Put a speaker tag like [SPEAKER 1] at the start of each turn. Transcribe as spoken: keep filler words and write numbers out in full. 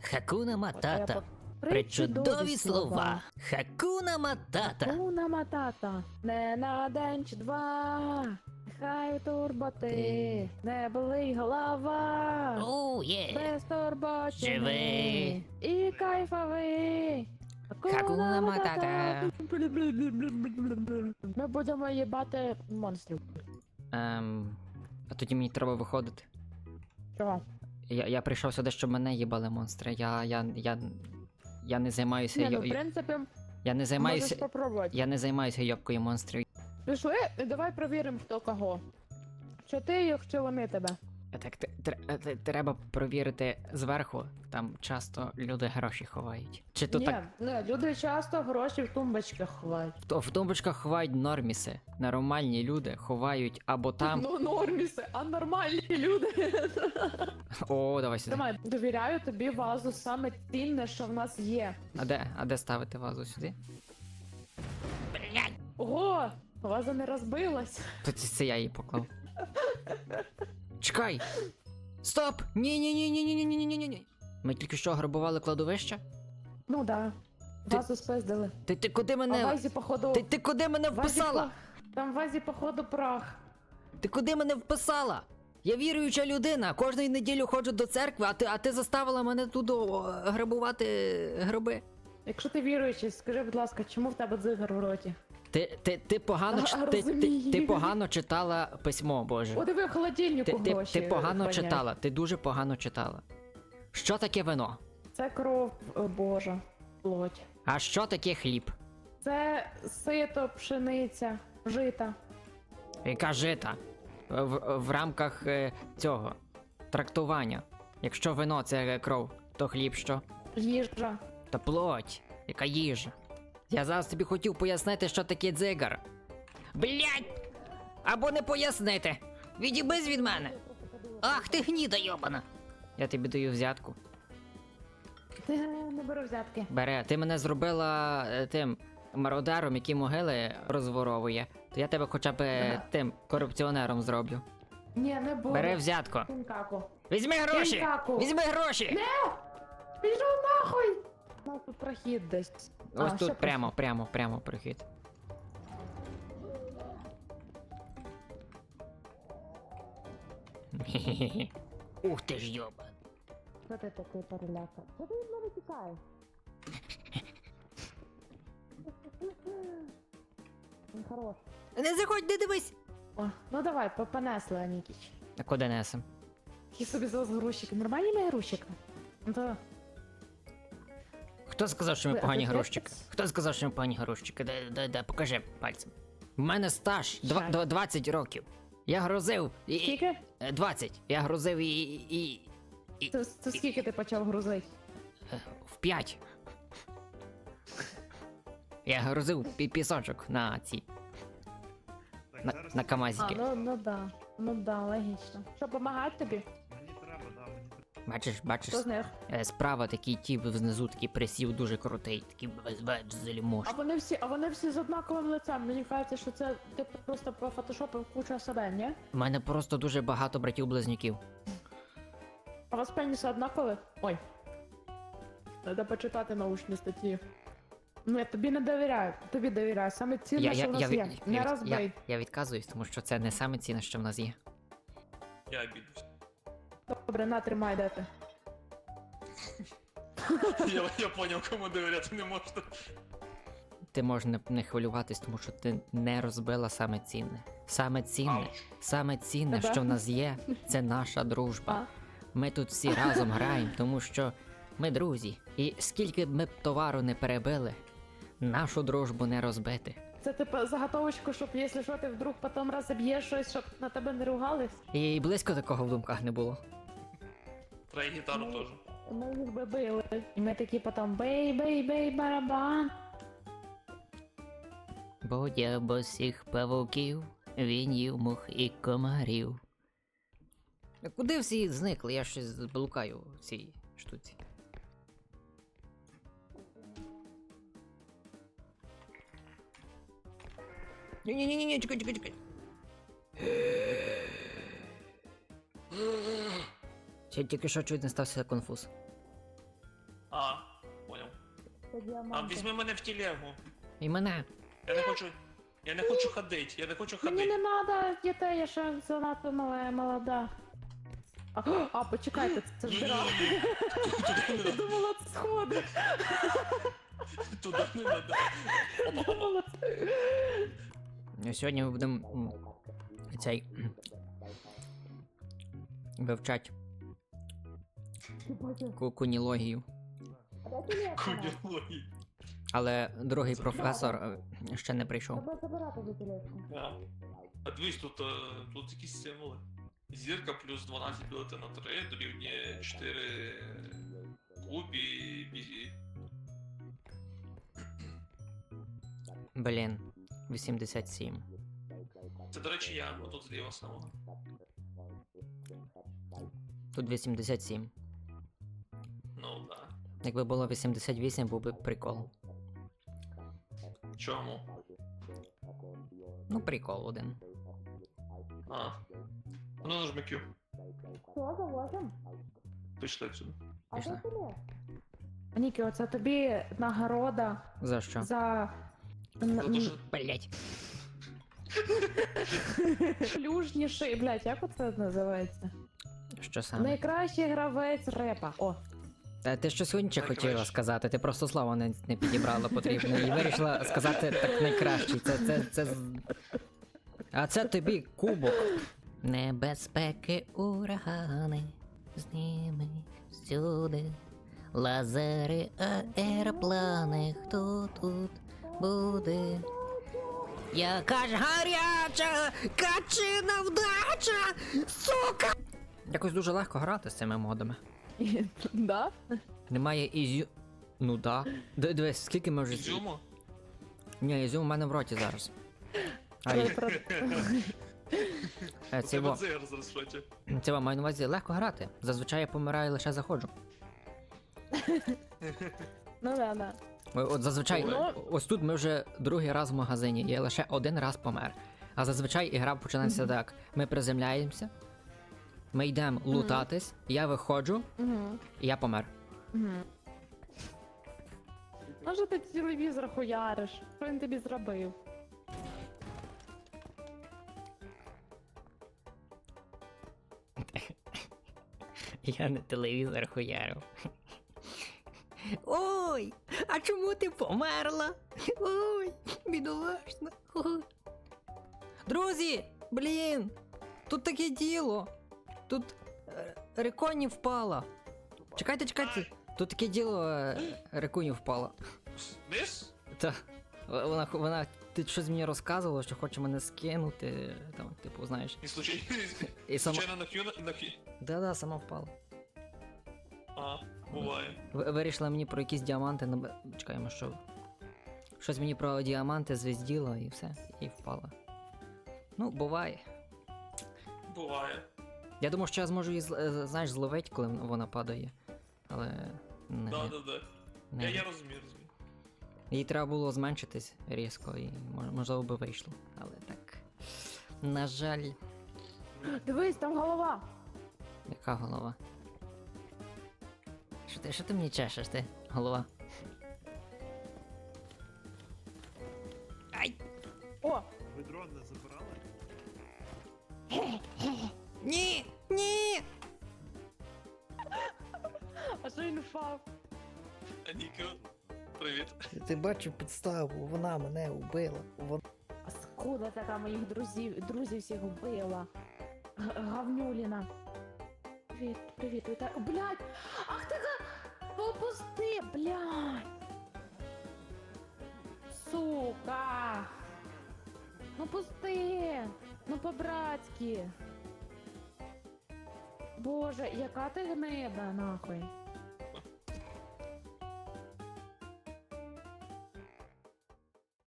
[SPEAKER 1] Хакуна Матата.
[SPEAKER 2] Причудові
[SPEAKER 1] Причудові слова. Хакуна Матата.
[SPEAKER 2] Хакуна Матата. Не на день чи два. Хай турботи. Не болить голова.
[SPEAKER 1] Оу, є.
[SPEAKER 2] Без турботи.
[SPEAKER 1] Живи.
[SPEAKER 2] І кайфовий.
[SPEAKER 1] Хакуна Матата.
[SPEAKER 2] Ми будемо їбати монстрів.
[SPEAKER 3] Ем, а тоді мені треба виходити.
[SPEAKER 2] Чого?
[SPEAKER 3] Я, я прийшов сюди, щоб мене їбали монстри. Я, я, я, я не займаюся.
[SPEAKER 2] Ні, ну,
[SPEAKER 3] йо-
[SPEAKER 2] в принципі,
[SPEAKER 3] я не
[SPEAKER 2] можеш
[SPEAKER 3] займаюся.
[SPEAKER 2] попробувати.
[SPEAKER 3] Я не займаюся йобкою монстрів.
[SPEAKER 2] Пішли, і давай перевіримо, хто кого. Чи ти їх, чи вони тебе?
[SPEAKER 3] Так, те- тре- те- треба провірити зверху. Там часто люди гроші ховають. Чи то
[SPEAKER 2] Ні,
[SPEAKER 3] так
[SPEAKER 2] не, люди часто гроші в тумбочках ховають.
[SPEAKER 3] в, в тумбочках ховають норміси. Нормальні люди ховають або там.
[SPEAKER 2] Ну, норміси, а нормальні люди.
[SPEAKER 3] О, давай сюди.
[SPEAKER 2] Давай, довіряю тобі вазу, саме цінне, що в нас є.
[SPEAKER 3] А де? А де ставити вазу сюди?
[SPEAKER 2] Ого, ваза не розбилась.
[SPEAKER 3] То це, це я її поклав. Чекай! Стоп! Ні, ні, ні, ні, ні, ні, ні, ні, ні, ні. Ми тільки що грабували кладовище?
[SPEAKER 2] Ну да.
[SPEAKER 3] Ти-
[SPEAKER 2] Вазу спиздили.
[SPEAKER 3] Ти, ти куди
[SPEAKER 2] А в
[SPEAKER 3] мене.
[SPEAKER 2] вазі, походу...
[SPEAKER 3] Ти, ти куди мене
[SPEAKER 2] в вазі
[SPEAKER 3] вписала?
[SPEAKER 2] по- Там в вазі, походу, прах.
[SPEAKER 3] Ти куди мене вписала? Я віруюча людина, кожної неділю ходжу до церкви, а ти, а ти заставила мене тут о, грабувати гроби.
[SPEAKER 2] Якщо ти віруючий, скажи, будь ласка, чому в тебе дзигар в роті?
[SPEAKER 3] Ти, ти, ти, погано,
[SPEAKER 2] А,
[SPEAKER 3] ч- ти, ти,
[SPEAKER 2] розумію.
[SPEAKER 3] ти погано читала письмо, Боже.
[SPEAKER 2] О, диви, в холодильнику
[SPEAKER 3] Ти, ти,
[SPEAKER 2] гроші
[SPEAKER 3] ти погано
[SPEAKER 2] храняють.
[SPEAKER 3] читала, ти дуже погано читала. Що таке вино?
[SPEAKER 2] Це кров о, Божа, плоть.
[SPEAKER 3] А що таке хліб?
[SPEAKER 2] Це сито, пшениця, жита.
[SPEAKER 3] Яка жита? В, в рамках е, цього трактування. Якщо вино це кров, то хліб що?
[SPEAKER 2] Їжа.
[SPEAKER 3] Та плоть, яка їжа. Я зараз тобі хотів пояснити, що таке дзигар. Блять! Або не пояснити. Відібись від мене. Ах ти гніда йобана. Я тобі даю взятку.
[SPEAKER 2] Ти не бери взятки.
[SPEAKER 3] Бере, ти мене зробила е, тим мародером, який могили розворовує. То я тебе хоча б е,
[SPEAKER 2] Ага.
[SPEAKER 3] тим корупціонером зроблю.
[SPEAKER 2] Ні, не буду.
[SPEAKER 3] Бери взятку.
[SPEAKER 2] Кінкаку.
[SPEAKER 3] Візьми гроші!
[SPEAKER 2] Кінкаку.
[SPEAKER 3] Візьми гроші!
[SPEAKER 2] Пішов нахуй! У нас тут прохід десь.
[SPEAKER 3] Ось
[SPEAKER 2] А,
[SPEAKER 3] тут
[SPEAKER 2] ще
[SPEAKER 3] прямо, прямо, прямо прохід.
[SPEAKER 1] Ух ти ж йоба.
[SPEAKER 2] Що ти такий переляка? Що ти від мене тікаєш? Він хорош.
[SPEAKER 3] Не заходь, не дивись!
[SPEAKER 2] О, ну давай, по- понесли, Анікіч.
[SPEAKER 3] А куди несем?
[SPEAKER 2] Які собі зараз грузчики. Нормальні ми грузчики? Ну то...
[SPEAKER 3] Хто сказав, що ми
[SPEAKER 2] Ви
[SPEAKER 3] погані
[SPEAKER 2] опять
[SPEAKER 3] грузчики?
[SPEAKER 2] так?
[SPEAKER 3] Хто сказав, що ми погані грузчики? Де, де, де, покажи пальцем. У мене стаж два-
[SPEAKER 2] Жаль.
[SPEAKER 3] два- двадцять років. Я грузив і...
[SPEAKER 2] Скільки?
[SPEAKER 3] Е, двадцять. Я грузив і... і... і...
[SPEAKER 2] Це, це скільки ти почав грузити?
[SPEAKER 3] е, в п'ять. Я грузив пі- пісочок на ці...
[SPEAKER 4] Так,
[SPEAKER 3] На,
[SPEAKER 4] зараз
[SPEAKER 3] на
[SPEAKER 2] А,
[SPEAKER 3] камазики.
[SPEAKER 2] ну, ну да. Ну да, логічно. Що, помагати тобі?
[SPEAKER 4] мені треба, да, мені треба.
[SPEAKER 3] Бачиш, бачиш,
[SPEAKER 2] Хто з них?
[SPEAKER 3] е, справа такий тіп знизу, такий присів дуже крутий, такий без без
[SPEAKER 2] А
[SPEAKER 3] залімош.
[SPEAKER 2] вони всі, а вони всі з однаковим лицем. Мені кажеться, що це ти просто пофотошопив кучу себе, ні?
[SPEAKER 3] У мене просто дуже багато братів-близнюків.
[SPEAKER 2] А у вас пеніси однакові? Ой. Треба почитати научні статті. Ну, я тобі не довіряю, тобі довіряю. Саме цінне, що в нас
[SPEAKER 3] від-
[SPEAKER 2] є. Не
[SPEAKER 3] від-
[SPEAKER 2] розбий.
[SPEAKER 3] я, я відказуюсь, тому що це не саме цінне, що в нас є.
[SPEAKER 4] Я обідусь.
[SPEAKER 2] Добре, на, тримай, де ти.
[SPEAKER 4] Я, я поняв, кому довіряти не можна.
[SPEAKER 3] Ти можеш не, не хвилюватись, тому що ти не розбила саме цінне. Саме цінне,
[SPEAKER 4] Ауч.
[SPEAKER 3] саме цінне,
[SPEAKER 2] Тебе?
[SPEAKER 3] що в нас є, це наша дружба. Ми тут всі разом граємо, тому що ми друзі. І скільки б ми б товару не перебили, нашу дружбу не розбити.
[SPEAKER 2] Це типу заготовочку, щоб якщо що, ти вдруг потім розіб'єш щось, щоб на тебе не ругались.
[SPEAKER 3] І близько такого в думках не було.
[SPEAKER 4] Треба і гітару теж.
[SPEAKER 2] Ми їх би били. І ми такі потім бей-бей-бей барабан.
[SPEAKER 1] Будя босих павуків, він їв мух і комарів.
[SPEAKER 3] А куди всі зникли? Я щось блукаю в цій штуці. Ні-ні-ні, чекай, чекай, чекай. Ще тільки що чуть не стався конфуз.
[SPEAKER 4] А, понял.
[SPEAKER 2] Це
[SPEAKER 4] А
[SPEAKER 2] діаманти.
[SPEAKER 4] візьми мене в телегу.
[SPEAKER 3] І мене.
[SPEAKER 4] Я не хочу. Я не хочу ходить, я не хочу
[SPEAKER 2] Мені
[SPEAKER 4] ходить.
[SPEAKER 2] не треба дітей, я ще занадто мала, молода. А, а почекайте, це ж дира.
[SPEAKER 4] Туди
[SPEAKER 2] Я думала, це сходи.
[SPEAKER 4] не Туди не надо. Опа, опа.
[SPEAKER 2] Думала, це...
[SPEAKER 3] Сьогодні ми будемо м, цей вивчати ку- кунілогію.
[SPEAKER 4] Кунілогії.
[SPEAKER 3] Але другий професор е, ще не прийшов.
[SPEAKER 2] Треба забирати за тележку.
[SPEAKER 4] А. А дивись, тут, е, тут якісь символи. Зірка плюс дванадцять ділити на три дорівнює чотири кубі. бі-
[SPEAKER 3] Блін, вісімдесят сім.
[SPEAKER 4] Це, до речі, я, отут зліва самого.
[SPEAKER 3] Тут вісімдесят сім.
[SPEAKER 4] Ну, да.
[SPEAKER 3] Якби було вісімдесят вісім, був би прикол.
[SPEAKER 4] Чому?
[SPEAKER 3] Ну, прикол один.
[SPEAKER 4] А. Ну, нажми Q.
[SPEAKER 2] Що, завозим?
[SPEAKER 4] Пішли отсюди.
[SPEAKER 2] А
[SPEAKER 3] Пішли.
[SPEAKER 2] де тележка? Нікі, оце тобі нагорода
[SPEAKER 3] За що?
[SPEAKER 2] за...
[SPEAKER 4] За те, що
[SPEAKER 3] Блять.
[SPEAKER 2] Плюжніший, блядь, як оце називається?
[SPEAKER 3] Що саме?
[SPEAKER 2] Найкращий гравець репа. О,
[SPEAKER 3] Та ти що сьогодні ще
[SPEAKER 4] Найкраще.
[SPEAKER 3] хотіла сказати, ти просто слово не, не підібрала потрібно і вирішила сказати так найкращий. Це, це, це... з- А це тобі кубок.
[SPEAKER 1] Небезпеки, урагани, з ними всюди. Лазери, аероплани, хто тут буде?
[SPEAKER 3] Яка ж гаряча, качина вдача, сука! Якось дуже легко грати з цими модами.
[SPEAKER 2] да?
[SPEAKER 3] Немає ізю... Ну да. Д- Дивись, скільки ми вже...
[SPEAKER 4] Ізюму?
[SPEAKER 3] Ні, ізюм у мене в роті зараз. А
[SPEAKER 2] Але
[SPEAKER 3] й-
[SPEAKER 2] про-
[SPEAKER 3] е,
[SPEAKER 4] У
[SPEAKER 3] це
[SPEAKER 4] тебе
[SPEAKER 3] во,
[SPEAKER 4] дзигар зараз в роті.
[SPEAKER 3] це во, маю на увазі легко грати. Зазвичай я помираю лише заходжу.
[SPEAKER 2] Ну да, да.
[SPEAKER 3] О- От зазвичай,
[SPEAKER 2] Ну-
[SPEAKER 3] ось тут ми вже другий раз в магазині, я лише один раз помер. А зазвичай ігра починається так. Ми приземляємося, ми йдемо лутатись, я виходжу,
[SPEAKER 2] Угу.
[SPEAKER 3] і я помер.
[SPEAKER 2] Угу. Може ти телевізор хуяриш? Що він тобі зробив?
[SPEAKER 3] Я на телевізор хуярив. Ой, а чому ти померла? Ой, бідолашна. Ой. Друзі, блін, тут таке діло. Тут е, реконі впала. Чекайте, чекайте. Тут таке діло, е, реконі впала.
[SPEAKER 4] Вниз?
[SPEAKER 3] Та вона, вона ти щось мені розказувала, що хоче мене скинути. Там, типу, знаєш.
[SPEAKER 4] І случайно,
[SPEAKER 3] І сама.
[SPEAKER 4] случайно на Q на, на Q.
[SPEAKER 3] Да-да, сама впала.
[SPEAKER 4] А, буває.
[SPEAKER 3] Ви- Вирішила мені про якісь діаманти на. Чекаємо, що. Щось мені про діаманти звізділо і все, і впала. Ну, буває.
[SPEAKER 4] Буває.
[SPEAKER 3] Я думав, що я зможу її, зл- е, знаєш, зловити, коли вона падає. Але. Не,
[SPEAKER 4] Да, да, да.
[SPEAKER 3] не.
[SPEAKER 4] Я, я розумію, розумію.
[SPEAKER 3] Їй треба було зменшитись різко і мож- можливо би вийшло. Але так. На жаль,
[SPEAKER 2] Дивись, там голова.
[SPEAKER 3] яка голова? Що ти, що ти мені чешеш, ти? Голова? Ай!
[SPEAKER 2] О,
[SPEAKER 5] Ви дрон не забирали?
[SPEAKER 3] Ні! Ні!
[SPEAKER 2] а що він впав?
[SPEAKER 4] Ніко, привіт.
[SPEAKER 6] Ти бачив підставу, вона мене вбила. Вона...
[SPEAKER 2] Скуда така моїх друзів, друзів всіх вбила. Г- Гавнюліна. Привіт, привіт, вітаю. Блядь! Ах ти га... Попусти, блядь! Сука! Ну пусти! Ну по-братськи! Боже, яка ти гнида, нахуй!